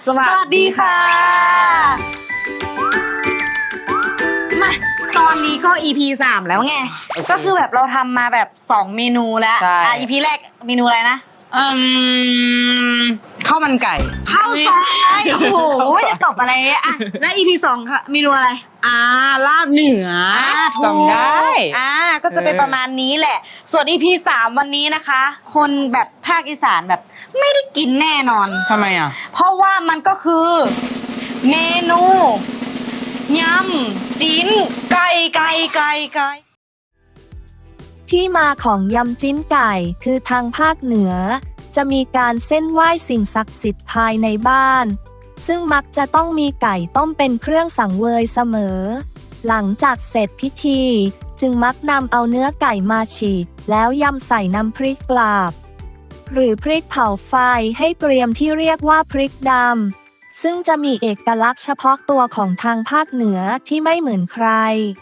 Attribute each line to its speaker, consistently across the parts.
Speaker 1: สวัสดีค่ะมาตอนนี้ก็ EP 3แล้วไง ก็คือแบบเราทำมาแบบ2เมนูแล้วEP แรกเมนูอะไรนะ
Speaker 2: ข้าวมันไก่
Speaker 1: ข้าวซอยโอ้โหจะตบอะไรอ่ะแล้ว EP 2ค่ะเมนูอะไร
Speaker 2: ลาบเหนือจำได้
Speaker 1: ก็จะเป็นประมาณนี้แหละ ส่วน EP 3วันนี้นะคะ คนแบบภาคอีสานแบบไม่ได้กินแน่นอน
Speaker 2: ทำไมอ่ะ
Speaker 1: เพราะว่ามันก็คือเมนูยำจิ้นไก่
Speaker 3: ที่มาของยำจิ้นไก่คือทางภาคเหนือจะมีการเส้นไหว้สิ่งศักดิ์สิทธิ์ภายในบ้านซึ่งมักจะต้องมีไก่ต้มเป็นเครื่องสังเวยเสมอหลังจากเสร็จพิธีจึงมักนำเอาเนื้อไก่มาฉีกแล้วยำใส่น้ำพริกกลาบหรือพริกเผาไฟให้เกรียมที่เรียกว่าพริกดำซึ่งจะมีเอกลักษณ์เฉพาะตัวของทางภาคเหนือที่ไม่เหมือนใคร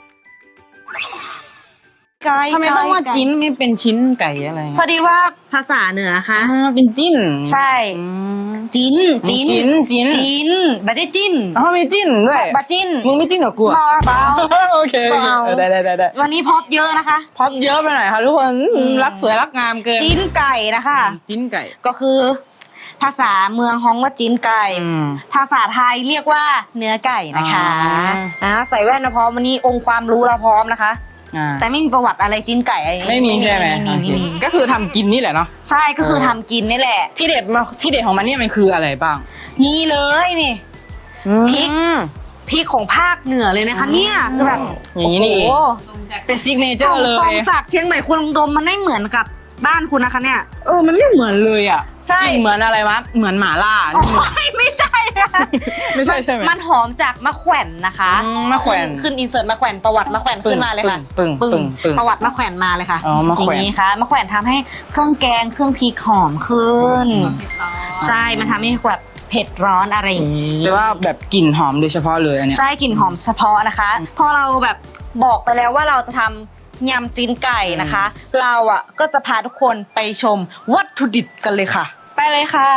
Speaker 2: ทำไมต้องว่าจิ้นไม่เป็นชิ้นไก่อะไร
Speaker 1: พอดีว่าภาษาเหนือค่ะ
Speaker 2: เป็นจิ้น
Speaker 1: ใช่จิ้นบัดจิ้น
Speaker 2: มีจิ้นด้วย
Speaker 1: บัดจิ้น
Speaker 2: มึงไม่จิ้นกับกู
Speaker 1: เบา
Speaker 2: โอเคได้
Speaker 1: วันนี้พอปเยอะนะคะ
Speaker 2: พอปเยอะไปหน่อยค่ะทุกคนรักสวยรักงามเกิน
Speaker 1: จิ้นไก่นะคะ
Speaker 2: จิ้นไก่
Speaker 1: ก็คือภาษาเมืองฮ้องว่าจิ้นไก่ภาษาไทยเรียกว่าเนื้อไก่นะคะใส่แว่นนะพร้อมวันนี้องค์ความรู้เราพร้อมนะคะแต่ไม่มีประวัติอะไรจิ้นไก่
Speaker 2: ไม่มีใช่ไหมก็คือทำกินนี่แหละเนาะ
Speaker 1: ใช่ก็คือทำกินนี่แหละ
Speaker 2: ที่เด็ดของมันเนี่ยมันคืออะไรบ้าง
Speaker 1: นี่เลยนี่พริกของภาคเหนือเลยนะคะเนี่ยคือแบบ
Speaker 2: อย่างนี้นี่เองเป็นซิกเนเจอร์เลย
Speaker 1: ส่งจากเชียงใหม่คุณดมมันไม่เหมือนกับบ้านคุณนะคะเนี่ย
Speaker 2: มันไม่เหมือนเลยอ่ะ
Speaker 1: ใช่
Speaker 2: เหมือนอะไรวะเหมือนหม่าล่า
Speaker 1: ไม่ใช่
Speaker 2: ไม่ใช่ใช่ไหม
Speaker 1: มันหอมจากมะแขวนนะคะ
Speaker 2: มะแขวน
Speaker 1: ขึ้นอินเสิร์ตมะแขวนประวัติมะแขวนขึ้นมาเลยค่ะ
Speaker 2: ปึ้ง
Speaker 1: ประวัติมะแขวนมาเลยค่ะ
Speaker 2: อย่าง
Speaker 1: นี้ค่ะมะแขวนทำให้เครื่องแกงเครื่องพริกหอมขึ้นใช่มันทำให้แบบเผ็ดร้อนอะไรอย่างนี้
Speaker 2: แต่ว่าแบบกลิ่นหอมโดยเฉพาะเลยอันนี้
Speaker 1: ใช่กลิ่นหอมเฉพาะนะคะพอเราแบบบอกไปแล้วว่าเราจะทำยำจิ้นไก่นะคะเราก็จะพาทุกคนไปชมวัตถุดิบกันเลยค่ะ
Speaker 2: ไปเลยค่ะ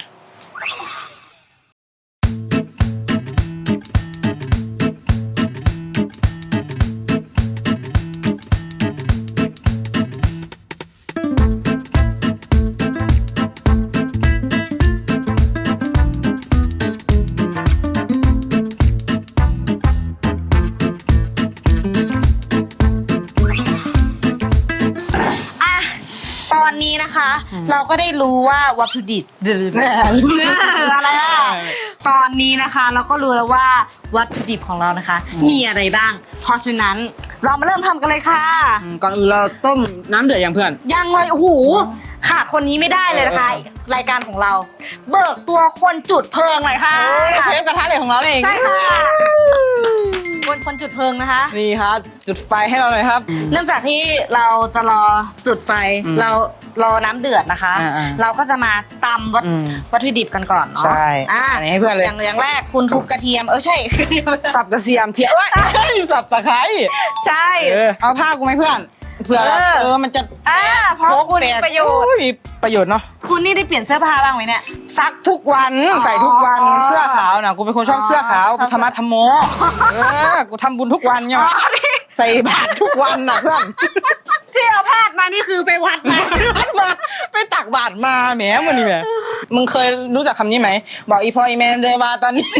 Speaker 1: ตอนนี้นะคะเราก็ได้รู้ว่าวัตถุดิบอะไรตอนนี้นะคะเราก็รู้แล้วว่าวัตถุดิบของเรานะคะมีอะไรบ้างเพราะฉะนั้นเรามาเริ่มทำกันเลยค่ะ
Speaker 2: ก่อนอื่นเราต้มน้ำเดือดยังเพื่อน
Speaker 1: ยังเลยโอ้โหขาดคนนี้ไม่ได้เลยนะคะรายการของเราเบิกตัวคนจุดเพลิงหน่อยค่ะ
Speaker 2: เชฟกระทะเหล็กของเราเอง
Speaker 1: ใช่ค่ะคนจุดเพลิงนะคะ
Speaker 2: นี่ครับจุดไฟให้เราหน่อยครับ
Speaker 1: เนื่องจากที่เราจะรอจุดไฟเรารอน้ำเดือดนะคะเราก็จะมาตำวัตถุดิบกันก่อนเนาะ
Speaker 2: ใช่อันนี้ให้เพื่อนเลย
Speaker 1: อย่างแรกคุณทุบกระเทียมใช่
Speaker 2: สับกระเทียมสับตะไคร้
Speaker 1: ใช่
Speaker 2: เอาผ้ากูไหมเพื่อนเผื่อมันจะ
Speaker 1: เพราะคุณมีประโยชน์
Speaker 2: มีประโยชน์เนาะ
Speaker 1: คุณนี่ได้เปลี่ยนเสื้อผ้าบ้างไหมเนี่ย
Speaker 2: ซักทุกวันใส่ทุกวันเสื้อขาวนะกูเป็นคนชอบเสื้อขาวกูธรรมะธรรมโมกูทำบุญทุกวันเนี่ยใส่บาตรทุกวันนะเพื่อน
Speaker 1: ที่เอาผ้ามานี่คือไปวัดมา
Speaker 2: ไปตักบาตรมาแหมมันนี่แหมมึงเคยรู้จักคำนี้ไหมบอกอีพออีแมนเดวาตอนนี้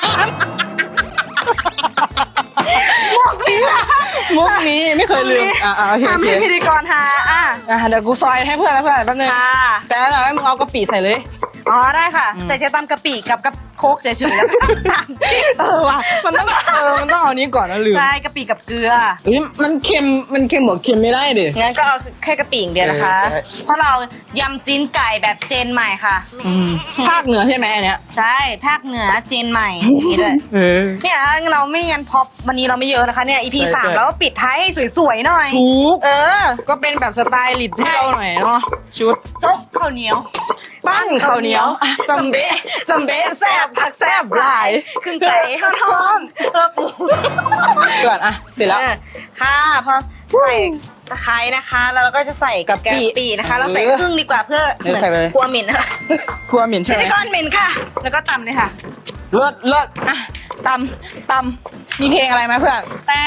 Speaker 2: มุกนี้ไม่เคยลืม
Speaker 1: ทำให้พิธีกรหา
Speaker 2: เดี๋ยวกูซอยให้เพื่อนแล้วเพื่อนแป๊บนึงแต่แล้วมึงเอากะปิใส่เลย
Speaker 1: ได้ค่ะแต่จะตำกะปิกับโคกเฉยๆแล้ว
Speaker 2: ว่ะมันต้องเอานี้ก่อนนะลืม
Speaker 1: ใช่กะปิกับเกลือ
Speaker 2: มันเค็มบอกเค็มไม่ได้ดิ
Speaker 1: งั้นก็เอาแค่กะปิอย่างเดียวนะคะเพราะเรายำจิ้นไก่แบบเจนใหม่ค่ะ
Speaker 2: ภาคเหนือใช่ไหมอันเนี้ย
Speaker 1: ใช่ภาคเหนือเจนใหม่นี่ด้วยเนี่ยเราไม่ยันพอวันนี้เราไม่เยอะนะคะเนี่ย EP 3แล้วปิดท้ายให้สวยๆหน่อย
Speaker 2: ก็เป็นแบบสไตล์ลิดให้เราหน่อยเนาะชุด
Speaker 1: โจ๊กข้าวเหนียว
Speaker 2: ปั้นข้าวเหนียวจำเบะแซ่บผักแซ่บหลาย
Speaker 1: ขึ้นใส่ข้าวทอด
Speaker 2: ก่อนเสร็จแล้ว
Speaker 1: ค่ะพอใส่ตะไคร้นะคะแล้วเราก็จะใส่กะปินะคะ เราใส่ครึ่งดีกว่าเพื่อ
Speaker 2: เดี๋ยวใส่ไปเลย
Speaker 1: กลัวเหม็นนะคะ
Speaker 2: กลัวเหม็นใช่ไหม
Speaker 1: ไม่ก้อนเหม็นค่ะ แล้วก็ตำเลยค่ะ
Speaker 2: เลิศอ่ะตำมีเพลงอะไรไหมเพื่อน
Speaker 1: แต่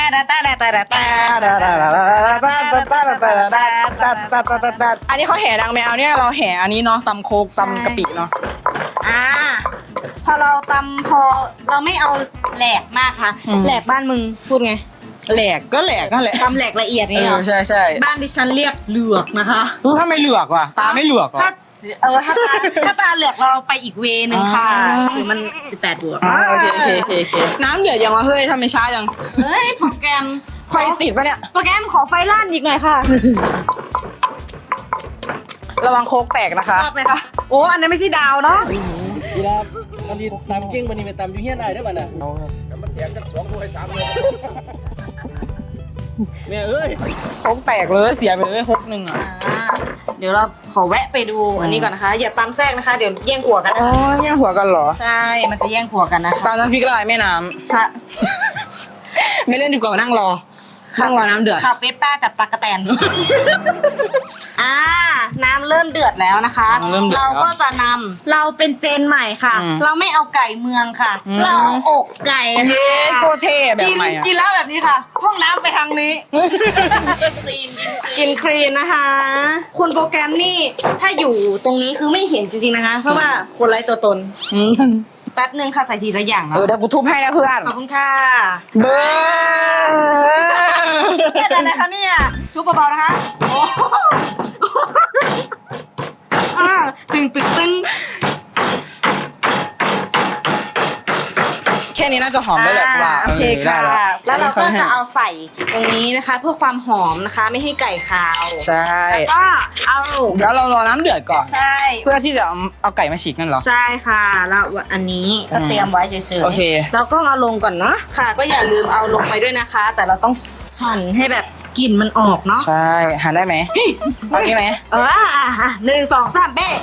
Speaker 2: อันนี้เขาแห่ดังแมวเนี่ยเราแห่อันนี้เนาะตำโคกตำกะปิเนาะ
Speaker 1: พอเราตำพอเราไม่เอาแหลกมากค่ะแหลกบ้านมึงพูดไง
Speaker 2: แหลกนั่นแหละ
Speaker 1: ตำแหลกละเอียดนี่เหรอ
Speaker 2: ใช่
Speaker 1: บ้านดิฉันเรียกเหลือกนะคะ
Speaker 2: รู้ถ้าไม่เหลือกว่ะตาไม่เหลือกว่ะ
Speaker 1: ถ้าตาเหลือกเราไปอีกเวนึงค่ะ
Speaker 2: อ๋อ
Speaker 1: หรือมัน18 บวก
Speaker 2: โอเคน้ำเดือดยังวะเฮ้ยทำไมช้าจัง
Speaker 1: เฮ้ยโปรแกรม
Speaker 2: ไฟติดปะเนี่ย
Speaker 1: โปรแกรมขอไฟล่านอีกหน่อยค่ะ
Speaker 2: ระวังโคกแตกนะคะ
Speaker 1: ชอบไหมคะโอ้อันนั้นไม่ใช่ดาวเนาะ
Speaker 4: เวลาอันนี้ตามเก่งบันนี้ไปตามอยู่เฮียนได้เด้อบัดน่ะแต่มันแตกกัน2 ด้วย 3 ด้วยแม่เอ้ย
Speaker 2: โคกแตกเลยเสียไปเลยฮกหนึ่งอ่ะ
Speaker 1: เดี๋ยวเราขอแวะไปดูอันนี้ก่อนนะคะ อย่าตำแทรกนะคะ เดี๋ยวแย่งหัวกัน
Speaker 2: อ๋
Speaker 1: นะ
Speaker 2: อ
Speaker 1: คะ
Speaker 2: แย่งหัวกันเหรอ
Speaker 1: ใช่ มันจะแย่งหัวกันนะคะ
Speaker 2: ตามน้ำพริกละลายแม่น้
Speaker 1: ใช่
Speaker 2: ำไม่เล่นดีกว่านั่งรอน้ำเดือด
Speaker 1: ขับเวสป้าจับตากระแตน น้ำเริ่มเดือดแล้วนะคะ เราก็จะนำเราเป็นเจนใหม่ค่ะ เราไม่เอาไก่เมืองค่ะ เราเอาอกไก่
Speaker 2: เย้
Speaker 1: ค่ะ
Speaker 2: โคตรเท่แบบใหม่อ่ะ
Speaker 1: กินแล้วแบบนี้ค่ะ ห้องน้ำไปทางนี้ กินคลีนนะคะ คุณโปรแกรมนี่ถ้าอยู่ตรงนี้คือไม่เห็นจริงๆนะคะ เพราะว่าคนไร้ตัวตน แป๊บนึงค่ะใส่ทีละอย่างนะ
Speaker 2: เดี๋ยวกูทุบให้นะเพื่อน
Speaker 1: ขอบคุณค่ะ
Speaker 2: เบอร์
Speaker 1: แค่นั้นนะคะเนี่ยทุบเบาๆนะคะโอ้ตึง
Speaker 2: แค่นี้น่าจะหอมได้แหละว่า
Speaker 1: โอเคค่ะ
Speaker 2: ได้
Speaker 1: แล้วเราก็จะเอาใส่ตรงนี้นะคะ เพื่อความหอมนะคะ ไม่ให้ไก่คาว
Speaker 2: ใช่
Speaker 1: แล้วก็เอา
Speaker 2: แล้วเรารอน้ำเดือดก่อน
Speaker 1: ใช่
Speaker 2: เพื่อที่จะเอาไก่มาฉีกนั่นเหรอ
Speaker 1: ใช่ค่ะแล้วอันนี้ก็เตรียมไว้เฉยๆ
Speaker 2: โอเค
Speaker 1: เราก็เอาลงก่อนเนาะค่ะ ก็อย่าลืมเอาลงไปด้วยนะคะ แต่เราต้องหั่นให้แบบกลิ่นมันออกเนาะ
Speaker 2: ใช่หาได้ไหมเอาได้ไหม
Speaker 1: 1 2 3เบ้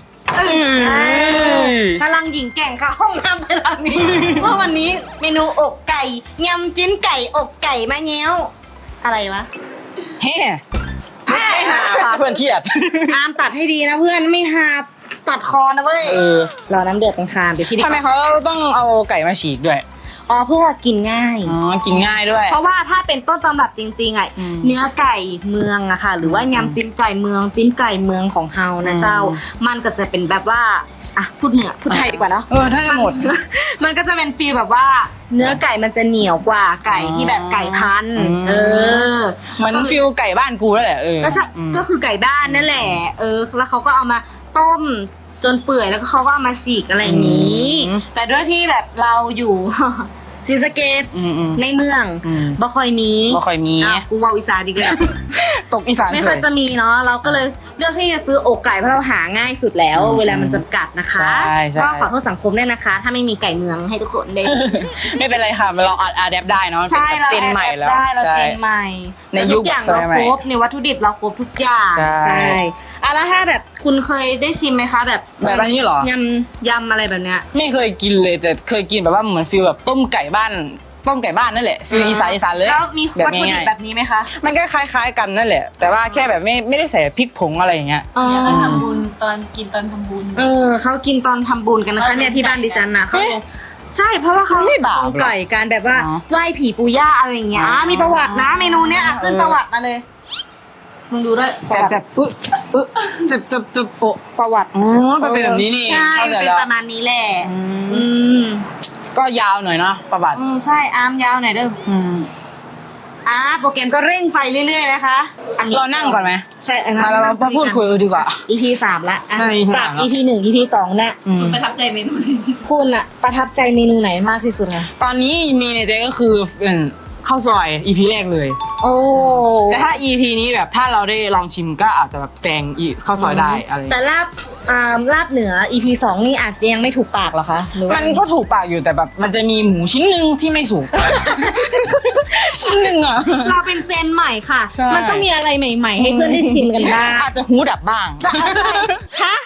Speaker 1: พลังหญิงแกร่งค่ะห้องน้ำพลังนี้เพราะวันนี้เมนูอกไก่ยำจิ้นไก่อกไก่มะเงี้ยวอะไรวะ
Speaker 2: เฮ้ไม่หาพาเพื่อนเครียด
Speaker 1: อามตัดให้ดีนะเพื่อนไม่หาตัดคอนะเว้ยรอน้ำเดือดกันค่ะเดี๋ยวพี่ดิ
Speaker 2: ทำไมเขาต้องเอาไก่มาฉีกด้วย
Speaker 1: อ๋อเพื่อกินง่าย
Speaker 2: อ๋อกินง่ายด้วย
Speaker 1: เพราะว่าถ้าเป็นต้นตำรับจริงๆอ่ะ
Speaker 2: อืม
Speaker 1: เนื้อไก่เมืองอะค่ะ หรือว่ายำจิ้นไก่เมืองจิ้นไก่เมืองของเฮานะเจ้า มันก็จะเป็นแบบว่าอ่ะพูดเหนือพูดไทยดีกว่าเนาะ
Speaker 2: ถ้าจะหมด
Speaker 1: มันก็จะเป็นฟีลแบบว่า เนื้อไก่มันจะเหนียวกว่าไก่ที่แบบไก่พันธุ์
Speaker 2: อืม เหมือนฟิลไก่บ้านกูแล้วแหละ
Speaker 1: ก็ใช่ก็คือไก่บ้านนั่นแหละแล้วเขาก็เอามาต้มจนเปื่อยแล้วก็เขาก็เอามาฉีกอะไรอย่างนี้ แต่ด้วยที่แบบเราอยู่ ศรีสะเกษในเมืองบ่ค่อยมี
Speaker 2: บ่ค่อยมี
Speaker 1: อ่ะกูเว่าอีสานดีกว่า
Speaker 2: ตกอีสาน
Speaker 1: ไม่ค่อยจะมีเนาะเราก็เลยเลือกที่จะซื้ออกไก่เพราะเราหาง่ายสุดแล้ว เวลามันจำกัดนะคะ
Speaker 2: ใช่
Speaker 1: ก็ขอโทษสังคมด้วยนะคะ ถ้าไม่มีไก่เมืองให้ทุกคนได้
Speaker 2: ไม่เป็นไรค่ะเราอัดแอปได้เนาะ
Speaker 1: ใช่เรา
Speaker 2: เจนใหม่แล้ว
Speaker 1: ได้เรา
Speaker 2: ใช่
Speaker 1: เจนใหม่
Speaker 2: ในยุค
Speaker 1: ทุกอย่าง
Speaker 2: สมั
Speaker 1: เรา
Speaker 2: ยใหม่
Speaker 1: ครบในวัตถุดิบเราครบทุกอย่าง
Speaker 2: ใช่
Speaker 1: แล้วถ้าแบบคุณเคยได้ชิมไหมคะแบบ
Speaker 2: แบบอันนี้เหรอ
Speaker 1: ยำอะไรแบบเนี้ย
Speaker 2: ไม่เคยกินเลยแต่เคยกินแบบว่าเหมือนฟิลแบบต้มไก่บ้านนั่นแหละฟิลอีสานเลย
Speaker 1: แล้วมี
Speaker 2: แบบ
Speaker 1: วัตถุดิบ
Speaker 2: ง่าย
Speaker 1: แบบนี้ไหมคะ
Speaker 2: ๆมันก็คล้ายๆกันนั่นแหละ แต่ว่าแค่แบบไม่ได้ใส่พริกผงอะไรอย่างเงี้ย
Speaker 5: เนี่ยเขาทำบุญตอนกินตอนทำบุญ
Speaker 1: เขากินตอนทำบุญกันนะคะเนี่ยที่บ้านดิฉันนะเขาใช่เพราะว่าเขา
Speaker 2: ไม่บาปหรอ
Speaker 1: เอาไก่การแบบว่า
Speaker 2: อ๋อ
Speaker 1: ไหว้ผีปู่ย่าอะไรอย่างเงี้ยมีประวัตินะเมนูเนี้ยขึ้นประวัติมาเลยมึงดูด้วย
Speaker 2: จับจับโปะประวัติอ๋อมันเป็นแบบนี้นี่
Speaker 1: ใช่
Speaker 2: เข้าใจ
Speaker 1: เป็น
Speaker 2: แล้ว
Speaker 1: ประมาณนี้แหละ
Speaker 2: อืม ก็ยาวหน่อยเนาะประวัติ
Speaker 1: ใช่อาร์มยาวหน่อยเด้อโปรแกรมก็เร่งไฟเรื่อยๆนะคะอันนี้
Speaker 2: เรานั่งก่อนไหม
Speaker 1: ใช่
Speaker 2: มาเรามาพูดคุยดีกว่า
Speaker 1: EP 3ละอ่ะ
Speaker 2: ใช่ EP
Speaker 1: จาก
Speaker 2: 3แล้ว
Speaker 1: EP 1 EP 2น่ะ
Speaker 5: ประทับใจเมนูไหนที่สุด
Speaker 1: คุณอะประทับใจเมนูไหนมากที่สุดคะ
Speaker 2: ตอนนี้มีในใจก็คือข้าวซอย EP แรกเลย
Speaker 1: โอ้
Speaker 2: แต่ถ้า EP นี้แบบถ้าเราได้ลองชิมก็อาจจะแบบแซงข้าวซอยได้อะไร
Speaker 1: แต่ลาบเหนือ EP 2 นี่อาจจะยังไม่ถูกปากเหรอคะหรือว่า
Speaker 2: มันก็ถูกปากอยู่แต่แบบมันจะมีหมูชิ้นหนึ่งที่ไม่สุก ชิ้นหนึ่งอ่ะ
Speaker 1: เราเป็นเจนใหม่ค่ะ
Speaker 2: ใช่
Speaker 1: มันต้องมีอะไรใหม่ๆ ให้เพื่อนได้ชิมกันบ้าง
Speaker 2: อาจจะหูดับบ้าง
Speaker 1: ฮะ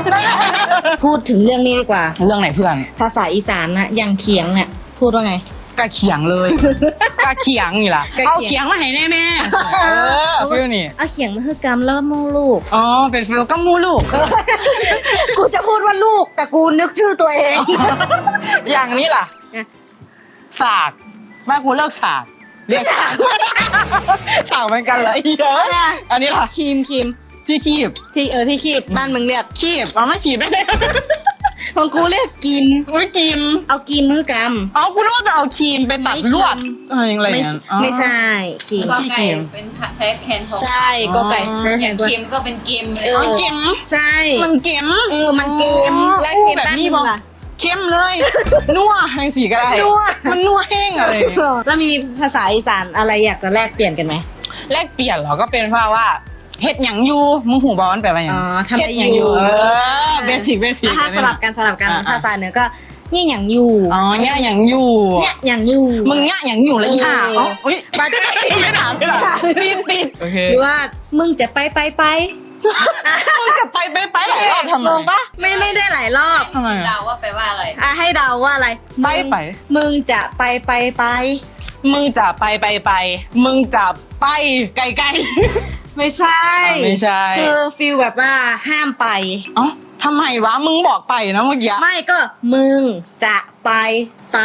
Speaker 1: พูดถึงเรื่องนี้ดีกว่า
Speaker 2: เรื่องไหนเพื่อน
Speaker 1: ภาษาอีสานนะอย่างเขียงเนี่ยพูดว่าไง
Speaker 2: กะเขียงเลยกะเขียงนี่ล่ะเอาเขียงมาให้แน่แม่ฟิลนี่
Speaker 1: เอาเขียงมาคือกำแล้วมูลูก
Speaker 2: อ๋อเป็นฟิลก็มูลูก
Speaker 1: กูจะพูดว่าลูกแต่กูนึกชื่อตัวเอง
Speaker 2: อย่างนี้ล่ะสากแม่กูเลิกสากเรียกสากสากเหมือนกันเลยเยอะอันนี้ล่ะ
Speaker 1: ครีม
Speaker 2: ที่คีบ
Speaker 1: ที่คีบบ้านมึงเรียก
Speaker 2: คีบเอาไม่ขีบไม่ได้
Speaker 1: ของกูเรียกกิน
Speaker 2: ไม่กิน
Speaker 1: เอากินมือกำ
Speaker 2: เอากูรู้ว่าจะเอาครีมไปตัดลวดอะไรอย่างเงี้ย
Speaker 1: ไม่ใช่ครีม
Speaker 5: ก็
Speaker 2: ที่
Speaker 5: ไก่
Speaker 2: เค็ม
Speaker 5: เป็นใช้แคนของ
Speaker 1: ใช่ก็ไก่ใช่
Speaker 5: อ
Speaker 1: แท
Speaker 5: ย่าง
Speaker 1: นตัว
Speaker 5: เค็มก็เป็นเกมเลย
Speaker 2: เอาเค็ม
Speaker 1: ใช่
Speaker 2: มันเค็ม
Speaker 1: มันเกมและเกม
Speaker 2: แบบ
Speaker 1: บ้าน
Speaker 2: นี้
Speaker 1: มึ
Speaker 2: บอง ก
Speaker 1: ล่ะ
Speaker 2: เข้มเลยนัวแห้งสีก็ได้
Speaker 1: นัว
Speaker 2: มันนัวแห้งอะไรอย่างเงี้ย
Speaker 1: แล้วมีภาษาอีสานอะไรอยากจะแลกเปลี่ยนกันไหม
Speaker 2: แลกเปลี่ยนเหรอก็เป็นว่าเฮ็ดหยังอยู่มึงหูบอลแปลว่าหยัง
Speaker 1: อ๋อทำ
Speaker 2: เฮ็
Speaker 1: อะ
Speaker 2: ด
Speaker 1: ไร
Speaker 2: หยังอยู่เบสิก
Speaker 1: ถ้าสลับกันภาษาเหนือก็นี่อย่างอยู่
Speaker 2: อ๋อเนี่ยหยังอยู่
Speaker 1: เนี่ยอย่างอยู่
Speaker 2: มึงเนี่ยหยังอยู่เลยค่ะอ๋ออุ้ย
Speaker 1: มาได้
Speaker 2: ไม่ถามติดโอเค
Speaker 1: หรือว่ามึงจะไป
Speaker 2: มึงจะไปหลายรอบทำไม
Speaker 1: งงปะไม่ได้หลายรอบ
Speaker 2: ทำไม
Speaker 5: เดาว่าแปลว่าอะไร
Speaker 1: ให้เดาว่าอะไร
Speaker 2: ไป
Speaker 1: มึงจะไป
Speaker 2: มึงจะไปมึงจะไปไกล
Speaker 1: ไม่ใช่
Speaker 2: ไม่ใช่
Speaker 1: คือฟีลแบบว่าห้ามไป
Speaker 2: ๆอ๋อทำไมวะมึงบอกไปนะเมื่อกี้
Speaker 1: ไม่ก็มึงจะไป
Speaker 2: ไป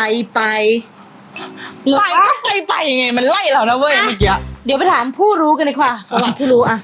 Speaker 2: ก็ไปไงมันไล่เรานะเว้ยเมื่อกี้
Speaker 1: เดี๋ยวไปถามผู้รู้กันดีกว่าระหว่างผู้รู้อะ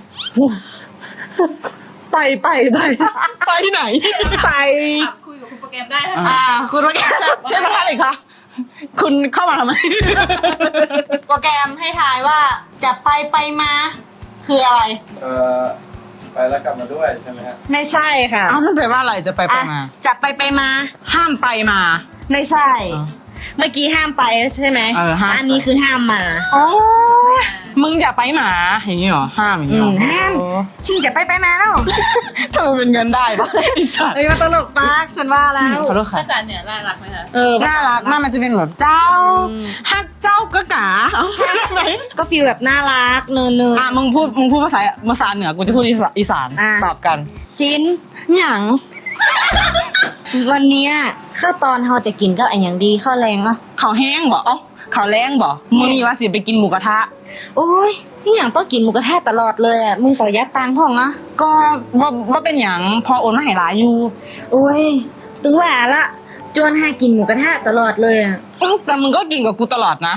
Speaker 2: ไปไหน
Speaker 1: ไป
Speaker 5: ขับคุยกับคุณโปรแกรมได้ถ้า
Speaker 1: คุณโปรแกรม
Speaker 2: ใช่ไหมคะเลยคะคุณเข้ามาทำไม
Speaker 1: โปรแกรมให้ทายว่าจะไปมาคืออะไร
Speaker 4: ไปแล้วกลับมาด้วยใช่ไหมฮะ
Speaker 1: ไม่ใช่ค่ะ
Speaker 2: อ้าวมันแปลว่าอะไรจะไปมา
Speaker 1: จะไปมา
Speaker 2: ห้ามไปมา
Speaker 1: ไม่ใช่
Speaker 2: อ๋อ
Speaker 1: เมื่อกี้ห้ามไปใช่ไหม
Speaker 2: ห้ามไป
Speaker 1: อันนี้คือห้ามมา
Speaker 2: อ๋อมึงอย่าไปหมาอย่างนี้เหรอห้ามอย่างนี้เหรอ
Speaker 1: ห้าม
Speaker 2: โอ้
Speaker 1: ชิงจะไปมาแล้ว
Speaker 2: ทำไมเป็นเงินได้ปะไอ้สัตว์
Speaker 1: เอ้ยมาตลกปากฉันว่าแล้ว
Speaker 2: ขอโทษค่ะ
Speaker 5: ภาษาเหนือน่ารักไหมคะ
Speaker 2: น่ารักมากมันจะเป็นแบบเจ้าฮักเจ้าก็กาเอาไหม
Speaker 1: ก็ฟีลแบบน่ารักเนิน
Speaker 2: มึงพูดภาษาเหนือกูจะพูดอีสาน
Speaker 1: อ่ะ
Speaker 2: ตอบกัน
Speaker 1: จิน
Speaker 2: หยัง
Speaker 1: วันเนี้ยข้าวตอนเราจะกินก็อันอย่างดีข้าวแรงอ่ะ
Speaker 2: เขาแห้งบ่เขาแรงบ่มึงมีว่าสิไปกินหมูกระทะ
Speaker 1: โอ้ยนี่อย่างต้องกินหมูกระทะตลอดเลยอ่ะมึงประหยัดตังค์พ่องอ่ะ
Speaker 2: ก็ว่าเป็นอย่างพอโอนมาให้หลายอยู่
Speaker 1: โอ้ยถึงว่าละจวนให้กินหมูกระทะตลอดเลยอ่ะ
Speaker 2: แต่มึงก็กินกับกูตลอดนะ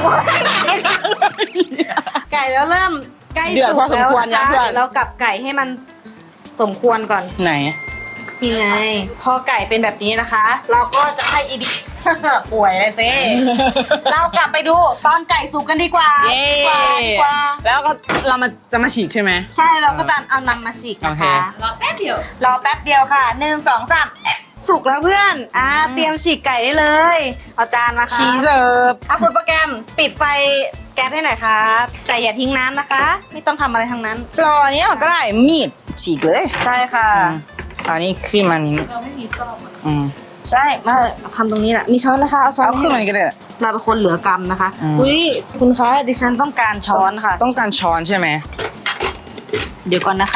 Speaker 1: ไก่แล้วเริ่มใกล้
Speaker 2: เดือด
Speaker 1: สุ
Speaker 2: พอก สม
Speaker 1: แล้ว
Speaker 2: ควร
Speaker 1: นะ
Speaker 2: ยัง
Speaker 1: คะ
Speaker 2: เพื่อน
Speaker 1: เดี๋ยวเรากลับไก่ให้มันสมควรก่อน
Speaker 2: ไหน
Speaker 1: นี่ไง พอไก่เป็นแบบนี้นะคะ เราก็จะให้อีดิ ป่วยเลยซิเรากลับไปดูตอนไก่สุกกันดีกว่า
Speaker 2: เย้
Speaker 1: ดีกว่า
Speaker 2: แล้วก็เราจะมาฉีกใช่ไหม
Speaker 1: ใช่เราก็จะเอานำมาฉีกนะ
Speaker 2: โอเค
Speaker 1: คะ
Speaker 5: รอแป๊บเดียว
Speaker 1: รอแป๊บเดียวค่ะ1 2 3สุกแล้วเพื่อนเตรียมฉีกไก่ได้เลยเอาจานมาค่ะ
Speaker 2: ชีเสิร์ฟ
Speaker 1: คุณโปรแกรมปิดไฟแก๊สให้หน่อยครับแต่อย่าทิ้งน้ำนะคะ ไม่ต้องทำอะไรทั้งนั้น
Speaker 2: รออันนี้ก็ได้มีดฉีกเลย
Speaker 1: ใช่ค่ะ
Speaker 2: อันนี้ขึ้นมานี้
Speaker 5: เราไม่มีซ่อมอะ
Speaker 1: ใช่มาทำตรงนี้แหละมีช้อนนะคะเอาช้อน
Speaker 2: เอาขึ้นมา
Speaker 1: ให้
Speaker 2: นี้ก็ได้
Speaker 1: เราเป็นคนเหลือกรรมนะคะ
Speaker 2: อืม
Speaker 1: อุ้ยคุณคะดิฉันต้องการช้อนค่ะ
Speaker 2: ต้องการช้อนใช่ไหม
Speaker 1: เดี๋ยวก่อนนะคะ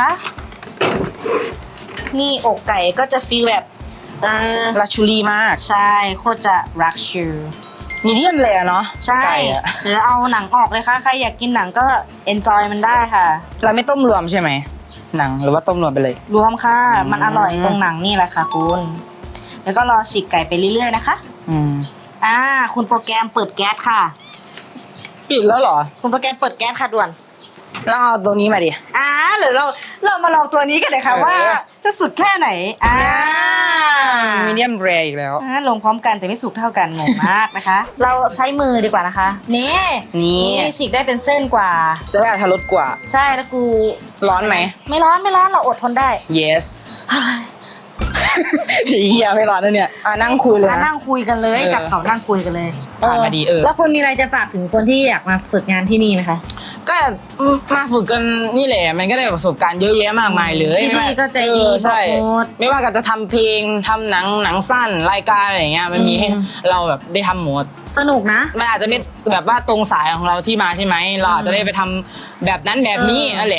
Speaker 1: นี่อกไก่ก็จะฟีลแบบ
Speaker 2: ลักชูรี่มาก
Speaker 1: ใช่โคตรจะรักชู
Speaker 2: มีเดียมเลยเนาะ
Speaker 1: ใช่
Speaker 2: ไก่อะ
Speaker 1: เดี๋ยวเอาหนังออกเลยค่ะใครอยากกินหนังก็เอนจอยมันได้ค่ะ
Speaker 2: เราไม่ต้มรวมใช่ไหมหนังหรือว่าต้มรวมไปเลย
Speaker 1: รวมค่ะ
Speaker 2: อืม
Speaker 1: มันอร่อยตรงหนังนี่แหละค่ะคุณแล้วก็รอฉีกไก่ไปเรื่อยๆนะคะ
Speaker 2: อืม
Speaker 1: คุณโปรแกรมเปิดแก๊สค่ะ
Speaker 2: ปิดแล้วเหรอ
Speaker 1: คุณโปรแกรมเปิดแก๊สค่ะด่วน
Speaker 2: แล้วเอาตัวนี้มาดิ
Speaker 1: หรือเรามาลองตัวนี้กันเลยค่ะ
Speaker 2: เออ
Speaker 1: ว่าจะสุดแค่ไหน
Speaker 2: มีเดียมแรร์อีกแล้ว
Speaker 1: ลงพร้อมกันแต่ไม่สุกเท่ากันงงมากนะคะ เราใช้มือดีกว่านะคะนี่
Speaker 2: นี่
Speaker 1: ฉีกได้เป็นเส้นกว่า
Speaker 2: จะได้อรรถรสกว่า
Speaker 1: ใช่แล้วกู
Speaker 2: ร้อนไหม
Speaker 1: ไม่ร้อนเราอดทนได้
Speaker 2: yes เฮียไม่ร้อนนะเนี่ยนั่งคุยเลย
Speaker 1: มา
Speaker 2: นะ
Speaker 1: นั่งคุยกันเลย
Speaker 2: เออ
Speaker 1: กับเขานั่งคุยกันเลย
Speaker 2: ผ่านมาดี
Speaker 1: แล้วคุณมีอะไรจะฝากถึงคนที่อยากมาฝึกงานที่นี่ไหมคะ
Speaker 2: ก็มาฝึกกันนี่แหละมันก็ได้ประสบการณ์เยอะแยะมากมายเลย
Speaker 1: ที่นี่ก็ใจดี
Speaker 2: ใช่
Speaker 1: บอกหมด
Speaker 2: ไม่ว่าจะทำเพลงทำหนังสั้นรายการอะไรอย่างเงี้ยมันมีให้เราแบบได้ทำหมด
Speaker 1: สนุกนะ
Speaker 2: มันอาจจะไม่แบบว่าตรงสายของเราที่มาใช่ไหมเราอาจจะได้ไปทำแบบนั้นแบบนี้นั่นแหละ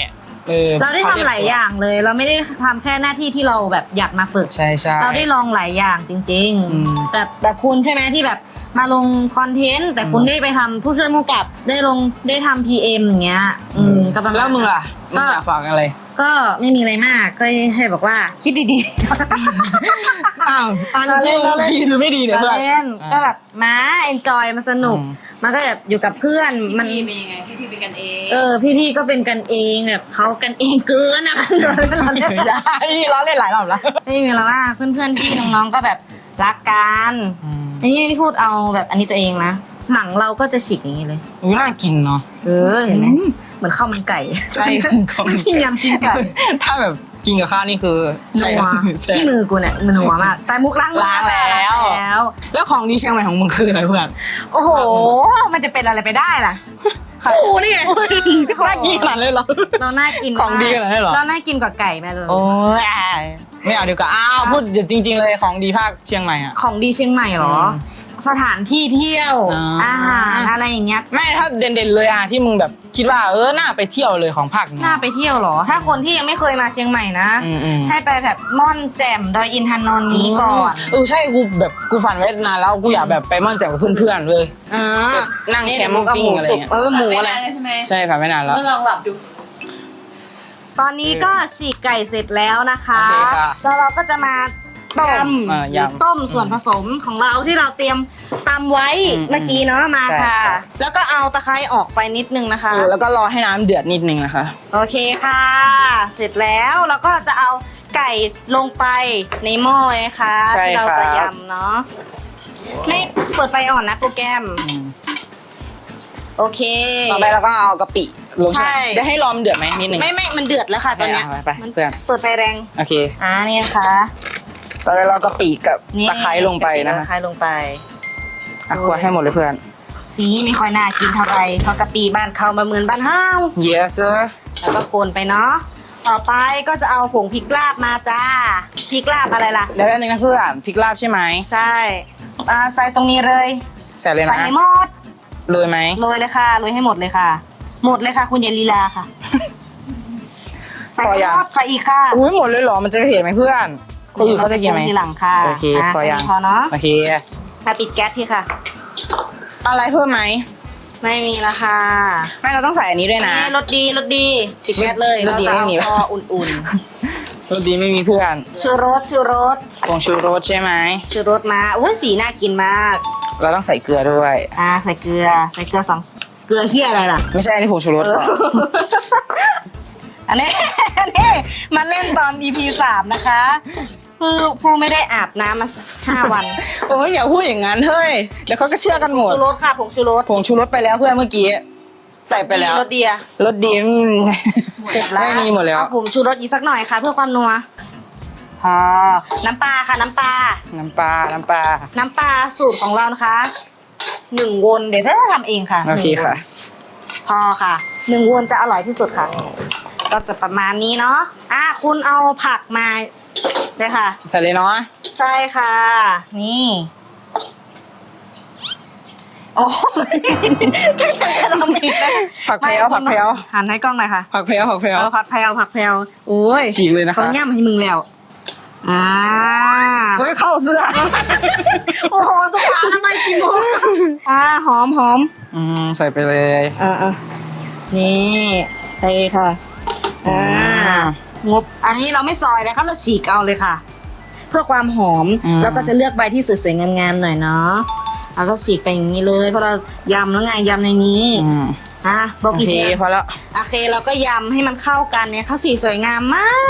Speaker 1: เราได้ทำหลายอย่างเลย เราไม่ได้ทำแค่หน้าที่ที่เราแบบอยากมาฝึก
Speaker 2: ใช่ใช่
Speaker 1: เราได้ลองหลายอย่างจริง
Speaker 2: อืม
Speaker 1: ๆแบบคุณใช่ไหมที่แบบมาลงคอนเทนต์แต่คุณได้ไปทำผู้ช่วยผู้กำกับได้ทำ PM อย่างเงี้ยก็ประมาณ
Speaker 2: แล้วมึงล่ะมึงอยากฝากอะไร
Speaker 1: ก็ไม่มีอะไรมากก็ให้บอกว่าคิดดี
Speaker 2: อ้าวอันจริงดีหรือไม่ดี
Speaker 1: ๆ
Speaker 2: เนี่ยเพื่อน
Speaker 1: เล่นก็แบบมาเอนจอยมันสนุก
Speaker 2: อืม
Speaker 1: มันก็แบบอยู่กับเพื่อนมัน
Speaker 5: พี่เป็นยังไงพี่เป็นกันเอง
Speaker 1: พี่ๆก็เป็นกันเองแบบเขากันเองเกินอะ เราเล่น
Speaker 2: อย่าล้อเล่นหลายรอบแล้ว
Speaker 1: ไม่มีแล้วว่าเพื่อนๆพี่น้องๆก็แบบรักกัน
Speaker 2: อืม
Speaker 1: อันนี้ที่พูดเอาแบบอันนี้ตัวเองนะหนังเราก็จะฉีกอย่างนี้เลย
Speaker 2: อุ้ยน่ากินเนาะ
Speaker 1: เห็นไหมเหมือนข้าวมันไก่
Speaker 2: ใช่
Speaker 1: ไม่ใช่ยำกินไก่
Speaker 2: ถ้าแบบกินกับข้าวนี่คือใช่
Speaker 1: นัว
Speaker 2: ใช่
Speaker 1: ที่มือกูเนี่ยมันนัวมากแต่มุกล้าง
Speaker 2: ล้างแล้ว แล้วของดีเชียงใหม่ของมึงคืออะไรเพื่อน
Speaker 1: โอ้โห มันจะเป็นอะไรไปได้ล่ะกูนี่ไง
Speaker 2: น่ากินขนาดเลยเหรอ
Speaker 1: เราน่ากิน
Speaker 2: ของดีขนาดนั้นเหรอ
Speaker 1: เราน่ากินกว่าไก่แม่เลย
Speaker 2: โอ้ยไม่เอาดีกว่าอ้าวพูดจริง ๆ เลยของดีภาคเชียงใหม่อ่ะ
Speaker 1: ของดีเชียงใหม่เหรอ สถานที่เที่ยว อาหารอะไรอย่างเงี้ย
Speaker 2: ไม่ถ้าเด่นๆเลยอ่ะที่มึงแบบคิดว่าน่าไปเที่ยวเลยของภาคนี้
Speaker 1: น่าไปเที่ยวเหรอ ถ้าคนที่ยังไม่เคยมาเชียงใหม่นะ
Speaker 2: อืม
Speaker 1: ให้ไปแบบม่อนแจ่มดอยอินทนนท์นี้ก่อน
Speaker 2: ใช่กูฝันไว้นานแล้วกูอยากแบบไปม่อนแจ่มกับเพื่อนๆเลย นั่งแคมปิ้งอะไรเงี้ย
Speaker 1: หมูอะไร
Speaker 5: ใช่ไหม
Speaker 2: ใช่ฝันไว้นานแล้ว
Speaker 5: ก็ลองหลับดู
Speaker 1: ตอนนี้ก็ฉีกไก่เสร็จแล้วนะคะ
Speaker 2: โอเคค่ะ
Speaker 1: แล้วเราก็จะมาต้ม
Speaker 2: ยำ
Speaker 1: ต้มส่วนผสมของเราที่เราเตรียมตำไว้
Speaker 2: อืม
Speaker 1: เมื่อกี้เนาะมา
Speaker 2: ใช่
Speaker 1: ค่ะ
Speaker 2: ค่ะ
Speaker 1: แล้วก็เอาตะไคร้ออกไปนิดนึงนะคะ
Speaker 2: แล้วก็รอให้น้ำเดือดนิดนึงนะคะ
Speaker 1: โอเคค่ะ เสร็จแล้วเราก็จะเอาไก่ลงไปในหม้อเลยนะคะ
Speaker 2: ใช่
Speaker 1: ที่เรา
Speaker 2: ครับ
Speaker 1: จะยำเนาะไม่เปิดไฟอ่อนนะโปรแกรม โอเค
Speaker 2: ต่อไปเราก็เอากะปิลง
Speaker 1: ใช่
Speaker 2: ได้ให้รอมเดือดไหมนิดนึง
Speaker 1: ไม่มันเดือดแล้วค่ะตอนเนี้ย
Speaker 2: ไป
Speaker 1: มัน
Speaker 2: เพื่อน
Speaker 1: เปิดไฟแรง
Speaker 2: โอเค
Speaker 1: นี่นะคะ
Speaker 2: ต่อไปเรากะปิกับ
Speaker 1: นี่
Speaker 2: ตะไคร้ลงไปนะ
Speaker 1: ตะ
Speaker 2: คะ
Speaker 1: ไคร้ลงไป
Speaker 2: ควรให้หมดเลยเพื่อน
Speaker 1: สีไม่ค่อยน่ากินเท่าไหร่เพราะกะปิบ้านเขามาเหมือนบ้านห้าว
Speaker 2: yes sir
Speaker 1: แล้วก็โคนไปเนาะต่อไปก็จะเอาผงพริกลาบมาจ้าพริกลาบอะไรล่ะ
Speaker 2: แล้วอันนึงนะเพื่อนพริกลาบใช่ไหม
Speaker 1: ใช่ใส่ตรงนี้เลย
Speaker 2: ใส่เลย
Speaker 1: ใส่
Speaker 2: นะ
Speaker 1: ให้หมด
Speaker 2: โรยไหม
Speaker 1: โรยเลยค่ะโรยให้หมดเลยค่ะ หมดเลยค่ะ คุณอย่าลีลาค่ะ ใส่ให้หมดใส่อีกค่ะ
Speaker 2: อุ้ยหมดเลยเหรอมันจะเห็นไหมเพื่อนคนอื่นเขาจะกินไหม
Speaker 1: ทีหลังค่ะ
Speaker 2: โอเคพอยัง
Speaker 1: แค่นี้พอเนาะ
Speaker 2: โอเค
Speaker 1: มาปิดแก๊สทีค่ะ
Speaker 2: อะไรเพิ่มไหม
Speaker 1: ไม่มีละค่ะ
Speaker 2: ไม่เราต้องใส่อันนี้ด้วยนะ
Speaker 1: รสดีปิดแก๊สเลย
Speaker 2: รสดี
Speaker 1: เราจะ
Speaker 2: ไม่มี
Speaker 1: เอาพออุ่น
Speaker 2: รสดีไม่มีเพื่อน
Speaker 1: ๆชูรส
Speaker 2: ผงชูรสใช่ไหม
Speaker 1: ชูรสมาอุ้ยสีน่ากินมาก
Speaker 2: เราต้องใส่เกลือด้วย
Speaker 1: ใส่เกลือสองเกลือเที่ยอะไรล่ะ
Speaker 2: ไม่ใช่อันนี้ผงชูรสก่อน
Speaker 1: อันนี้ มาเล่นตอน EP 3 นะคะคือผู้ไม่ได้อาบน้ำมา5 วัน
Speaker 2: โอ้ยอย่าพูดอย่างนั้นเฮ้ยเดี๋ยวเขาก็เชื่อกันหมด
Speaker 1: ชูรสค่ะผงชูรส
Speaker 2: ผงชูรสไปแล้วเพื่อนเมื่อกี้ใส่ไปแล้ว
Speaker 1: รสดีอะ
Speaker 2: รสดี
Speaker 1: เสร็จแล้ว
Speaker 2: ไม่มีหมดแล้ว
Speaker 1: เอาผงชูรสอีกสักหน่อยค่ะ เพื่อความนัวพอน้ำปลาค่ะน้ำปลา
Speaker 2: น้ำปลา
Speaker 1: น้ำปลาสูตรของเรานะคะ1 วนเดี๋ยวจะทำเองค่ะ
Speaker 2: โอเคค่ะ
Speaker 1: พอค่ะ1 วนจะอร่อยที่สุดค่ะ ก็จะประมาณนี้เนาะคุณเอาผักมาเลยค่ะ
Speaker 2: ใส่เลยเนาะ
Speaker 1: ใช่ค่ะ นี่โอ้ยเราอีกแล้ว
Speaker 2: ผักแพรวผักแพรว
Speaker 1: หันให้กล้องหน่อยค่ะ
Speaker 2: ผักแพรวผักแพรว
Speaker 1: เอาผักแพรวโอ้ย
Speaker 2: ฉีกเลยนะคะ
Speaker 1: เขาย่ำให้มึงแล้ว
Speaker 2: เฮ้ยเข้าเสื้อ
Speaker 1: โอ้โหสุภาพทำไมกินหมดหอม
Speaker 2: ใส่ไปเลย
Speaker 1: นี่ใช่ค่ะงบอันนี้เราไม่ซอยนะคะเราฉีกเอาเลยค่ะ เพื่อความหอมแล้วก็จะเลือกใบที่สวยๆงามๆหน่อยเนาะแล้วก็ฉีกไปอย่างนี้เลยเพราะเรายำแล้วไงยำในนี้บอก
Speaker 2: โอ
Speaker 1: อีก
Speaker 2: เค
Speaker 1: ที
Speaker 2: พอแล้ว
Speaker 1: โอเคเราก็ยำให้มันเข้ากันเนี่ยข้าวสีสวยงามมาก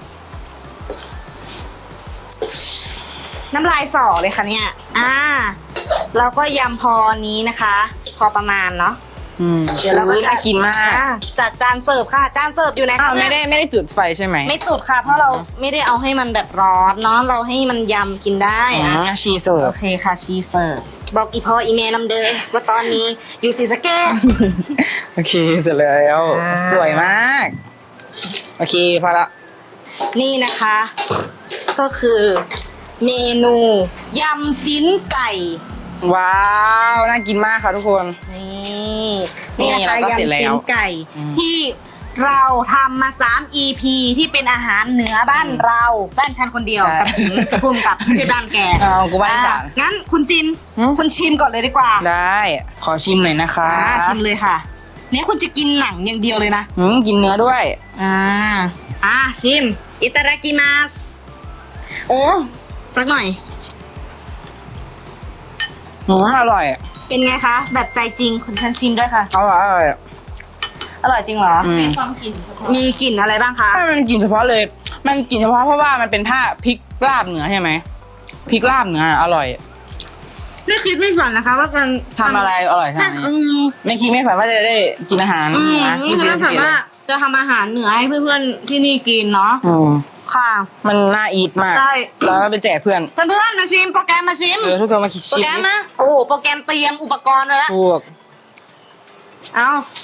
Speaker 1: น้ำลายสอเลยค่ะเนี่ยเราก็ยำพอนี้นะคะ พอประมาณเนาะเดี๋ยวเราก็
Speaker 2: น่ากินมาก
Speaker 1: จัดจานเสิร์ฟค่ะจานเสิร์ฟอยู่ไหน
Speaker 2: อ้า
Speaker 1: คะ
Speaker 2: วไม่ได้จุดไฟใช่ไหม
Speaker 1: ไม่จุดค่ะ เพราะเราไม่ได้เอาให้มันแบบร้อนเนาะเราให้มันยำกินได้
Speaker 2: ชีเสิร์ฟ
Speaker 1: โอเคค่ะชีเสิร์ฟบอกอีพ่ออีเมลนำเดิมว่าตอนนี้อยู่ศรีสะเกษ
Speaker 2: โอเคเสร็จแล้วสวยมากโอเคพอละ
Speaker 1: นี่นะคะ ก็คือเมนูยำจิ้นไก่
Speaker 2: ว้าวน่ากินมากค่ะทุกคน
Speaker 1: นี่นะคะ
Speaker 2: เราก็เสร็จ
Speaker 1: ยำ
Speaker 2: แล้ว
Speaker 1: จิ้นไก่ที่เราทำมา3 EP ที่เป็นอาหารเหนือบ้านเราบ้านฉันคนเดียว
Speaker 2: ใช่
Speaker 1: กับถึงจะพุ่มกับไม่ใช่บ้านแก
Speaker 2: เอากูบ้านอีสาน
Speaker 1: งั้นคุณจิน คุณชิมก่อนเลยดีกว่า
Speaker 2: ได้ขอชิมหน่อยนะคะ
Speaker 1: ชิมเลยค่ะเนี่ยคุณจะกินหนังอย่างเดียวเลยนะ
Speaker 2: กินเนื้อด้วย
Speaker 1: ชิมอิตาดากิมัสโอ้สักหน่อย
Speaker 2: อร่อย
Speaker 1: เป็นไงคะแบบใจจริงคุณฉันชิมด้วยค่ะ
Speaker 2: อร่อยอร่อย
Speaker 1: อร่อยจริงเหรอ
Speaker 5: มีความกลิ่นเฉพาะ
Speaker 1: มีกลิ่นอะไรบ้างคะ
Speaker 2: ถ้ามันกินเฉพาะเลย มันกินเฉพาะเพราะว่ามันเป็นผ้าพริกลาบเหนือใช่ไหมพริกลาบเหนืออร่อย
Speaker 1: ไม่คิดไม่ฝันนะคะว่าการ
Speaker 2: ทำอะไรอร่อยทำ ไม่คิดไม่ฝันว่าจะได้กินอาหารนะ
Speaker 1: ไม่คิดไม่ฝันว่าจะทำอาหารเหนือให้เพื่อนๆที่นี่กินเนาะค่ะ
Speaker 2: มันน่าอีทมาก
Speaker 1: ใช่
Speaker 2: แล้วก็ไปแจกเพื่อน
Speaker 1: เพื่อนๆมาชิมโปรแกรมมาชิม
Speaker 2: ทุกคนมาคิด
Speaker 1: โปร
Speaker 2: ชิม
Speaker 1: แกรมนะโอ้โปรแกรมเตรียมอุปกรณ์ไว้แล้ว
Speaker 2: พวก
Speaker 1: เอา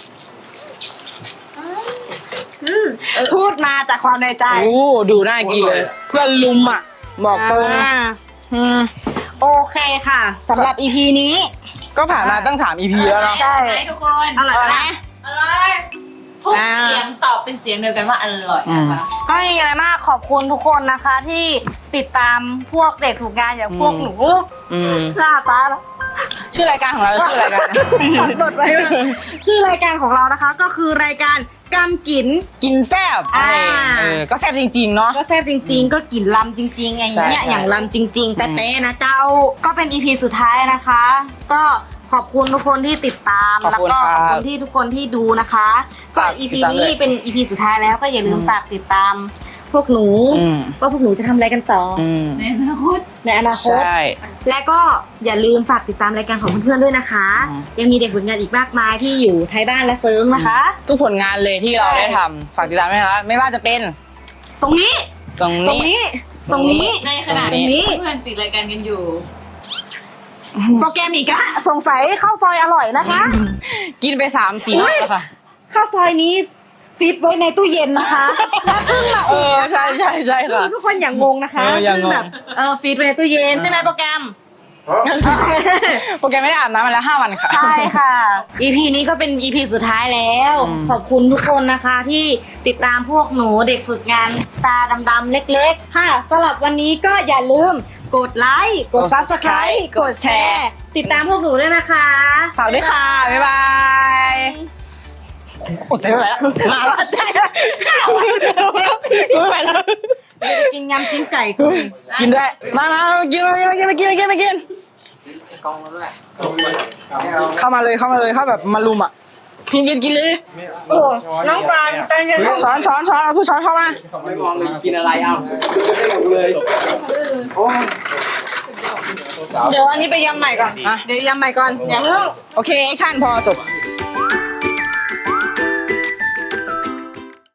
Speaker 1: พูดมาจากความในใจ
Speaker 2: โอ้ดูน่ากินเลย เพื่อนลุมอ่ะ บอกตรง
Speaker 1: อ่าโอเคค่ะสำหรับ EP นี้
Speaker 2: ก็ผ่านมาตั้ง3 EP แล้วเนาะ
Speaker 1: ใช่
Speaker 5: ไหมทุกคน
Speaker 1: อร่อยไหม
Speaker 5: อร่อยทุกเสียงตอบเป็นเสียงเดียวกันว่าอร่อยนะคะ
Speaker 1: ก็ไม่มีอะไรมากขอบคุณทุกคนนะคะที่ติดตามพวกเด็กฝึกงานอย่างพวกหนู
Speaker 2: อืม
Speaker 1: หน้าตา
Speaker 2: ชื่อรายการของเราชื่อรายการ
Speaker 1: บดไว้มาชื่อรายการของเรานะคะ ก็คือรายการกำกิน
Speaker 2: กินแซ่บ
Speaker 1: อ่า
Speaker 2: ก็แซ่บจริงๆเนาะ
Speaker 1: ก็แซ่บจริง ๆ ก็กลิ่นลำจริงๆอย่างเงี้ย
Speaker 2: ใช่
Speaker 1: อย่างลำจริง ๆ แต่เต้นะเจ้าก็เป็น EP สุดท้ายนะคะ ก็ขอบคุณทุกคนที่ติดตาม
Speaker 2: ขอบ
Speaker 1: แล้ว
Speaker 2: คุณ
Speaker 1: ก็
Speaker 2: ค
Speaker 1: ข
Speaker 2: รับ
Speaker 1: อบคุณที่ทุกคนที่ดูนะคะก็
Speaker 2: ฝาก
Speaker 1: EP
Speaker 2: ติดตาม
Speaker 1: นี้
Speaker 2: ด้วย
Speaker 1: เป็น EP สุดท้ายแล้วก็อย่าลืมฝากติดตามพวกหนู
Speaker 2: อืม
Speaker 1: ว่าพวกหนูจะทำอะไรกันต่ออ
Speaker 5: ในอนาคต
Speaker 1: ในอนาคต
Speaker 2: ใช่
Speaker 1: และก็อย่าลืมฝากติดตามรายการของเพื่อนๆด้วยนะคะ
Speaker 2: อืม
Speaker 1: ยังมีเด็กฝึกงานอีกมากมายที่อยู่ไทยบ้านและเซิร์งนะคะ
Speaker 2: ทุกผลงานเลยที่เราได้ทำฝากติดตามด้วยนะคะไม่ว่าจะเป็น
Speaker 1: ตรงนี้
Speaker 2: ตรง
Speaker 1: ตรง
Speaker 2: นี้
Speaker 1: นี้ ตรงนี้
Speaker 5: ในขณะ
Speaker 2: ตรงนี้
Speaker 5: ที่เพื่อนปิดรายการกันอยู่
Speaker 1: โปรแกรมอีกละสงสัยข้าวซอยอร่อยนะคะ
Speaker 2: กินไป3-4รอบแล้วค่ะ
Speaker 1: ข้าวซอยนี้ฟิตไว้ในตู้เย็นนะคะแล้วเพิ่งมา
Speaker 2: ใช่ใช่ใช่ค่ะ
Speaker 1: คือทุกคนอย่างงงนะคะ
Speaker 2: อย่างงง
Speaker 1: แบบฟิตไว้ในตู้เย็นใช่ไหมโปรแกรม
Speaker 2: โปรแกรมไม่ได้อาบน้ำมาแล้ว5 วันค่ะ
Speaker 1: ใช่ค่ะ EP นี้ก็เป็น EP สุดท้ายแล้ว
Speaker 2: อืม
Speaker 1: ขอบคุณทุกคนนะคะที่ติดตามพวกหนูเด็กฝึกงานตาดำๆเล็กๆ ค่ะสำหรับวันนี้ก็อย่าลืมกดไลค์ กด Subscribe กดแชร์ ติดตามพวกหนูด้วยนะคะ
Speaker 2: ฝากด้วยค่ะ บ๊ายบายอดใจไม่ไหวแล้วมาแล้วใจไม่ไหวแล้ว
Speaker 1: กินยำกินไก่กู
Speaker 2: กินด้วยมากินไม่กินเข้ามาเลยเข้าแบบมาลุมอ่ะกินเลย
Speaker 1: โอ้น้องปลาใจเย็น
Speaker 2: ช้อนเอาผู้ช้อนเข้ามา
Speaker 4: ไม่มองเลยกินอะไรเอาไม่ได้อยู่เลย
Speaker 1: เดี๋ยวอันนี้ไปยำใหม่ก่อน
Speaker 2: อ่ะ
Speaker 1: เดี๋ยวยำใหม่ก่อนอย่าเพิ่ง
Speaker 2: โอเคแอคชั่นพอจบ